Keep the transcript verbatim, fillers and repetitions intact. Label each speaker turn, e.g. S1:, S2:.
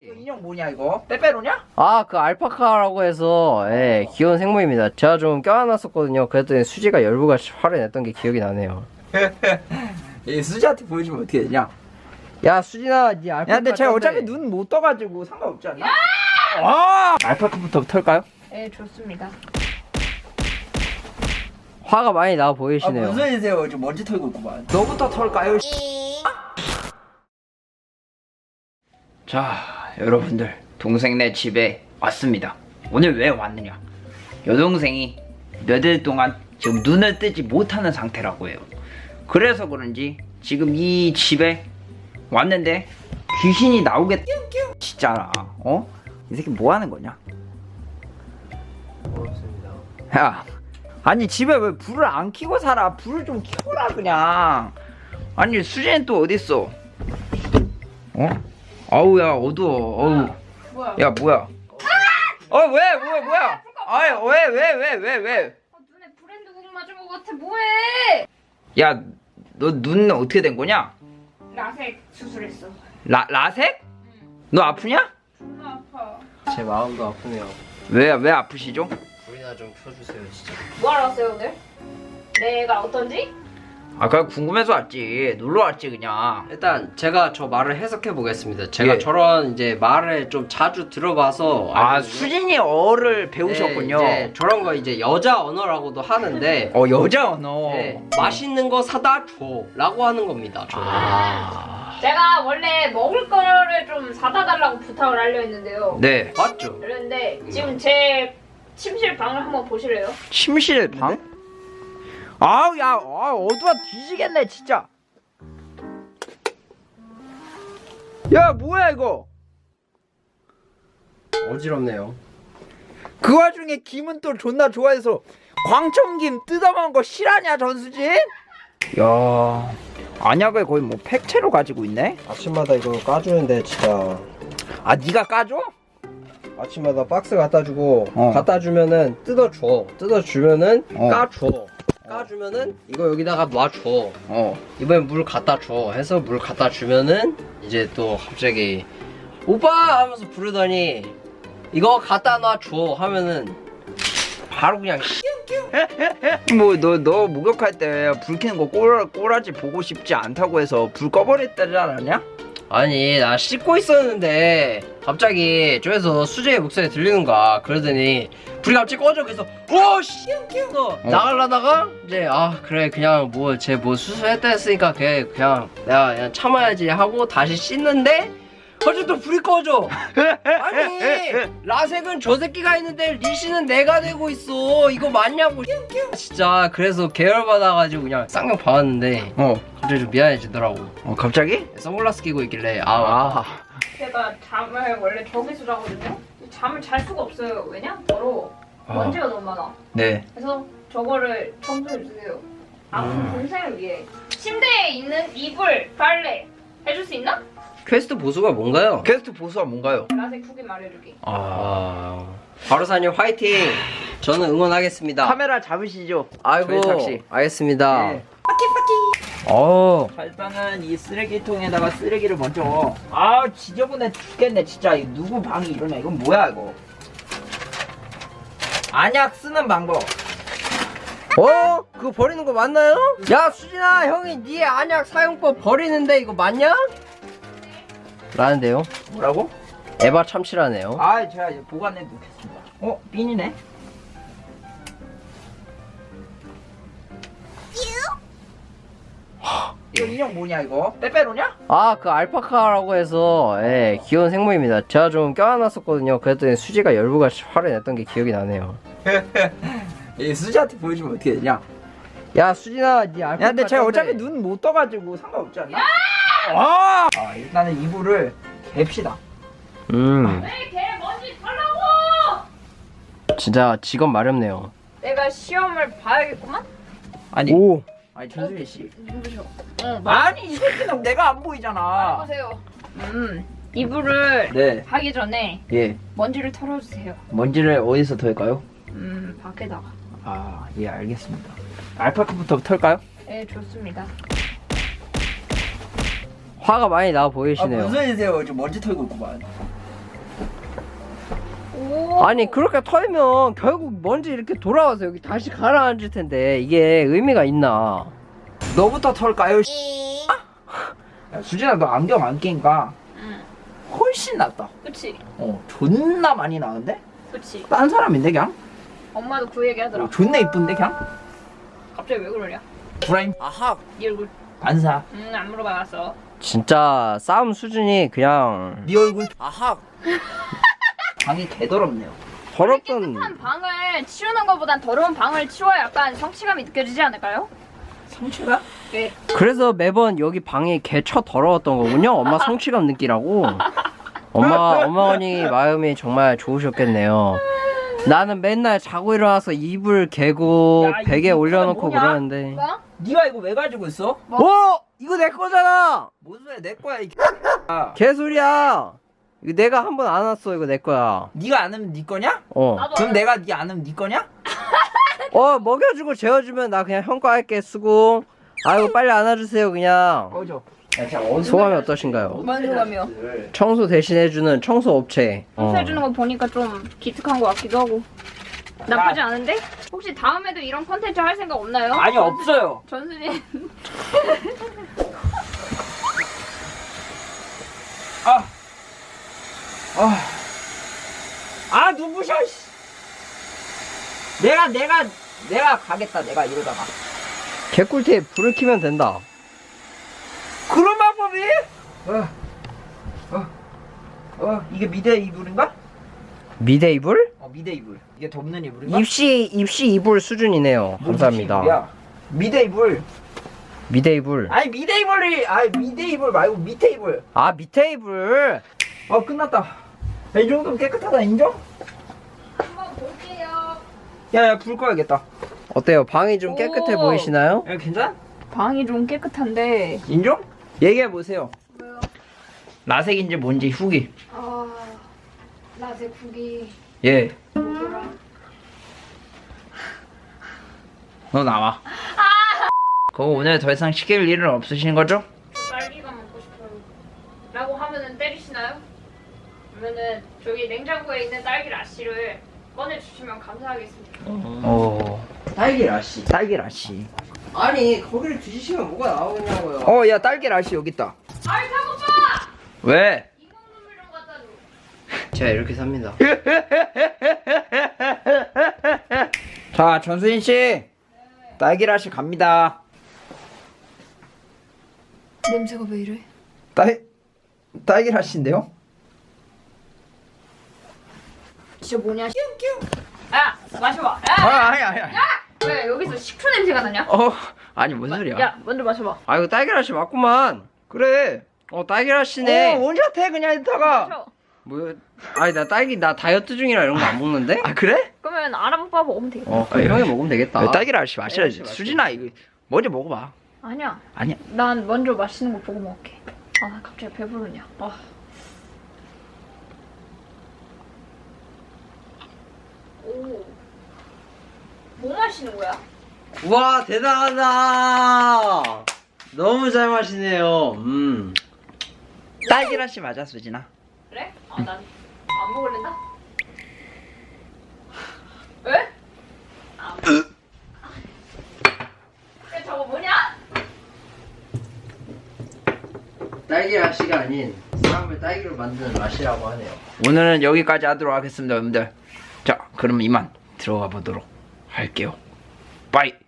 S1: 이거 인형 뭐냐 이거? 빼빼로냐?
S2: 아, 그 알파카라고 해서 예, 귀여운 생물입니다. 제가 좀 껴안았었거든요. 그랬더니 수지가 열부가 화를 냈던 게 기억이 나네요.
S1: 이 수지한테 보여주면 어떻게 되냐?
S2: 야, 수진아, 니 알파카.
S1: 야, 근데 제가
S2: 짠데.
S1: 어차피 눈 못 떠가지고 상관없지 않나? 아! 알파카부터 털까요?
S3: 네, 좋습니다.
S2: 화가 많이 나
S1: 아,
S2: 보이시네요.
S1: 무슨 일이세요? 지금 먼지 털고 있구만. 너부터 털까요? 자, 여러분들, 동생네 집에 왔습니다. 오늘 왜 왔느냐? 여동생이 며칠 동안 지금 눈을 뜨지 못하는 상태라고 해요. 그래서 그런지 지금 이 집에 왔는데 귀신이 나오겠 진짜라. 어? 이 새끼 뭐 하는 거냐? 야, 아니 집에 왜 불을 안 켜고 살아? 불을 좀 켜라 그냥. 아니 수진이 또 어딨어? 어? 아우야 어두워. 어우.
S3: 뭐야?
S1: 야 뭐야? 어 왜? 뭐야 뭐야? 아이 왜 왜 왜 왜 왜?
S3: 아, 눈에 브랜드 국 맞은 것 같아. 뭐해?
S1: 야 너 눈 어떻게 된 거냐?
S3: 라섹 수술했어.
S1: 라 라색? 너 아프냐?
S3: 존나 아파.
S2: 제 마음도 아프네요.
S1: 왜 왜 아프시죠?
S2: 불이나 좀 켜주세요, 진짜.
S3: 뭐하러 왔어요 오늘? 내가 어떤지?
S1: 아까 궁금해서 왔지. 놀러 왔지 그냥.
S2: 일단 제가 저 말을 해석해 보겠습니다. 제가
S1: 예.
S2: 저런 이제 말을 좀 자주 들어봐서
S1: 아
S2: 알거든요.
S1: 수진이 어를 배우셨군요.
S2: 네, 이제 저런 거 이제 여자 언어라고도 하는데
S1: 어 여자 언어.
S2: 네, 맛있는 거 사다 줘라고 하는 겁니다. 저는.
S1: 아.
S3: 제가 원래 먹을 거를 좀 사다 달라고 부탁을 하려 했는데요.
S1: 네.
S2: 맞죠?
S3: 그런데 지금 제 침실 방을 한번 보실래요?
S1: 침실 방? 아우 야, 아, 어두워 뒤지겠네 진짜. 야 뭐야 이거?
S2: 어지럽네요.
S1: 그 와중에 김은 또 존나 좋아해서 광청김 뜯어먹은 거 실하냐 전수진? 야 안약을 거의 뭐 팩채로 가지고 있네?
S4: 아침마다 이거 까주는데 진짜
S1: 아 네가 까줘?
S4: 아침마다 박스 갖다 주고
S1: 어.
S4: 갖다 주면은 뜯어줘 뜯어주면은
S1: 어.
S4: 까줘
S2: 까주면은 이거 여기다가 놔줘.
S1: 어.
S2: 이번엔 물 갖다 줘 해서 물 갖다 주면은 이제 또 갑자기 오빠 하면서 부르더니 이거 갖다 놔줘 하면은 바로 그냥
S1: 뭐 너 너 목욕할 때 불 켜는 거 꼬라, 꼬라지 보고 싶지 않다고 해서 불 꺼버렸다지 않았냐?
S2: 아니 나 씻고 있었는데 갑자기 저에서 수재의 목소리 들리는 거야. 그러더니 불이 갑자기 꺼져. 그래서 오씨 어. 나가려다가 이제 아 그래 그냥 뭐 쟤 뭐 수술했다 했으니까 그냥 그냥 내가 그냥 참아야지 하고 다시 씻는데 갑자기 또 불이 꺼져. 아니 라섹은 저 새끼가 있는데 리시는 내가 되고 있어. 이거 맞냐고 진짜. 그래서 계열받아가지고 그냥 쌍욕 받았는데
S1: 어.
S2: 갑자기 좀 미안해지더라고.
S1: 어 갑자기?
S2: 선글라스 끼고 있길래 아,
S1: 아.
S3: 제가 잠을 원래 저기서 자거든요. 잠을 잘 수가 없어요. 왜냐? 더러워.
S1: 아.
S3: 먼지가 너무 많아.
S1: 네.
S3: 그래서 저거를 청소해 주세요. 아픈 동생을 위해. 침대에 있는 이불, 빨래 해줄 수 있나?
S2: 퀘스트 보수가 뭔가요?
S1: 퀘스트 보수가 뭔가요?
S3: 라섹 후기 말해주기.
S2: 아 바로사님 화이팅! 저는 응원하겠습니다.
S1: 카메라 잡으시죠.
S2: 아이고
S1: 저희 tak시.
S2: 알겠습니다.
S1: 네. 어. 자, 일단은 이 쓰레기통에다가 쓰레기를 먼저. 아 지저분해 죽겠네 진짜. 이 누구 방이 이러냐? 이건 뭐야 이거? 안약 쓰는 방법.
S2: 어? 그거 버리는 거 맞나요? 야 수진아 형이 네 안약 사용법 버리는데 이거 맞냐? 라는데요.
S1: 뭐라고?
S2: 에바 참치라네요.
S1: 아 제가 이제 보관해 놓겠습니다. 어? 핀이네. 이거 인형 뭐냐 이거? 빼빼로냐?
S2: 아 그 알파카라고 해서 예, 귀여운 생물입니다. 제가 좀 껴안았었거든요. 그랬더니 수지가 열부가 화를 냈던 게 기억이 나네요.
S1: 이 수지한테 보여주면 어떻게 되냐?
S2: 야 수진아 네 알파카
S1: 야 근데 제가
S2: 짠데.
S1: 어차피 눈 못 떠가지고 상관없지 않나? 아! 아 일단은 이불을 갭시다.
S2: 음
S3: 왜 걔 먼지 털라고!
S2: 진짜 직업 마렵네요.
S3: 내가 시험을 봐야겠구만?
S1: 아니
S2: 오
S1: 아니 전수리 씨.
S3: 누구셔? 응, 말
S1: 아니 이 새끼는 내가 안 보이잖아.
S3: 보세요. 음, 이불을
S1: 네.
S3: 하기 전에
S1: 예.
S3: 먼지를 털어주세요.
S1: 먼지를 어디서 털까요?
S3: 음, 밖에다가.
S1: 아, 예, 알겠습니다. 알파카부터 털까요?
S3: 네, 좋습니다.
S2: 화가 많이 나
S1: 아,
S2: 보이시네요.
S1: 무슨 일이세요? 지금 먼지 털고 있구만.
S2: 아니 그렇게 털면 결국 먼지 이렇게 돌아와서 여기 다시 가라앉을 텐데 이게 의미가 있나?
S1: 너부터 털까요? 야, 수진아 너 안경 안 끼니까
S3: 응.
S1: 훨씬 낫다.
S3: 그치?
S1: 어 존나 많이 나은데?
S3: 그치?
S1: 딴 사람인데 그냥?
S3: 엄마도 그 얘기 하더라.
S1: 어, 존나 이쁜데 그냥?
S3: 갑자기 왜 그러냐?
S1: 브라임
S2: 아하.
S3: 네 얼굴.
S1: 반사.
S3: 응, 안 물어봐봤어.
S2: 진짜 싸움 수준이 그냥
S1: 네 얼굴
S2: 아하.
S1: 방이 개더럽네요.
S2: 더럽던.
S3: 깨끗한 방을 치우는 것보단 더러운 방을 치워야 약간 성취감이 느껴지지 않을까요?
S1: 성취가?
S3: 네.
S2: 그래서 매번 여기 방이 개처 더러웠던 거군요. 엄마 성취감 느끼라고. 엄마 어머니 마음이 정말 좋으셨겠네요. 나는 맨날 자고 일어나서 이불 개고
S1: 야, 이
S2: 베개
S1: 이불은
S2: 올려놓고
S1: 뭐냐?
S2: 그러는데.
S3: 뭐?
S1: 네가 이거 왜 가지고 있어?
S2: 어? 이거 내 거잖아.
S1: 뭔 소리야 내 거야 이
S2: 개소리야. 이거 내가 한 번 안 왔어. 이거 내 거야.
S1: 네가 안 하면 네 거냐?
S2: 어.
S3: 나도
S1: 그럼
S3: 알아.
S1: 내가 네 안 하면 네 거냐?
S2: 어 먹여주고 재워주면 나 그냥 형과 할게 쓰고. 아이고 빨리 안아주세요 그냥.
S1: 꺼져. 야, 진짜 어디서
S2: 소감이 어떠신가요?
S3: 뭔 소감이요?
S2: 청소 대신해주는 청소 업체. 어.
S3: 청소해주는 거 보니까 좀 기특한 것 같기도 하고 나쁘지 않은데? 혹시 다음에도 이런 컨텐츠 할 생각 없나요?
S1: 아니 없어요.
S3: 전수진
S1: 아, 아, 아 누구셔? 씨. 내가 내가 내가 가겠다. 내가 이러다가
S2: 개꿀팁 불을 켜면 된다.
S1: 그런 방법이? 어, 어, 어 이게 미대 이불인가?
S2: 미대 이불?
S1: 어 미대 이불. 이게 덮는 이불인가?
S2: 입시 입시 이불 수준이네요.
S1: 뭔
S2: 감사합니다.
S1: 이불이야? 미대 이불.
S2: 미대 이불.
S1: 아니 미대 이불이 아니 미대 이불 말고 밑에 이불.
S2: 아 밑에 이불.
S1: 어 끝났다. 야, 이 정도면 깨끗하다 인정?
S3: 한번 볼게요.
S1: 야야 불 꺼야겠다.
S2: 어때요? 방이 좀 깨끗해
S3: 오.
S2: 보이시나요?
S1: 야 괜찮?
S3: 방이 좀 깨끗한데
S1: 인정? 얘기해 보세요.
S3: 왜요?
S1: 라색인지 뭔지 후기.
S3: 아... 라세 국이
S1: 예.
S3: 뭐더라?
S1: 너 나와. 그거 오늘 더 이상 시킬 일은 없으신 거죠?
S3: 딸기가 먹고 싶어요 라고 하면은 때리시나요? 그러면은 저기 냉장고에 있는 딸기 라씨를 꺼내주시면 감사하겠습니다.
S1: 어. 딸기 라씨. 딸기 라씨.
S2: 아니 거기를 뒤지시면 뭐가 나오냐고요.
S1: 어, 야 딸기 라씨 여기 있다.
S3: 아이 사고파!
S1: 왜?
S3: 이모 눈물 좀 갖다 줘.
S2: 제가 이렇게 삽니다.
S1: 자, 전수인 씨. 딸기 라씨 갑니다.
S3: 냄새가 왜 이래?
S1: 딸 딸기 라씨인데요?
S3: 진짜 뭐냐? 야 마셔봐. 야!
S1: 아, 아니 아니 아니.
S3: 왜 여기서 식초 냄새가 나냐?
S1: 어, 아니 뭔 소리야?
S3: 야 먼저 마셔봐.
S2: 아 이거 딸기라씨 맞구만.
S1: 그래.
S2: 어 딸기라씨네.
S1: 어, 언제 해 그냥 이따가.
S3: 마셔.
S2: 뭐? 아니 나 딸기 나 다이어트 중이라 이런 거 안 먹는데?
S1: 아 그래?
S3: 그러면 아람오빠 먹으면 되겠다.
S2: 어 그럼 형이 먹으면 되겠다.
S1: 야, 딸기 라씨 마셔야지.
S2: 딸기 라씨
S1: 수진아 이거 먼저 먹어봐.
S3: 아니야.
S1: 아니야.
S3: 난 먼저 마시는 거 보고 먹을게. 아, 나 갑자기 배부르냐. 아. 오. 뭐 마시는 거야?
S2: 우와 대단하다. 너무 잘 마시네요. 음.
S1: 딸기 라씨 맞아 수진아.
S3: 그래? 아, 난 안 먹을랜다? 왜? 아. 야, 저거 뭐냐?
S2: 딸기라씨가 아닌 사람을 딸기로 만드는 맛이라고 하네요.
S1: 오늘은 여기까지 하도록 하겠습니다 여러분들. 자 그럼 이만 들어가 보도록 할게요. 빠이.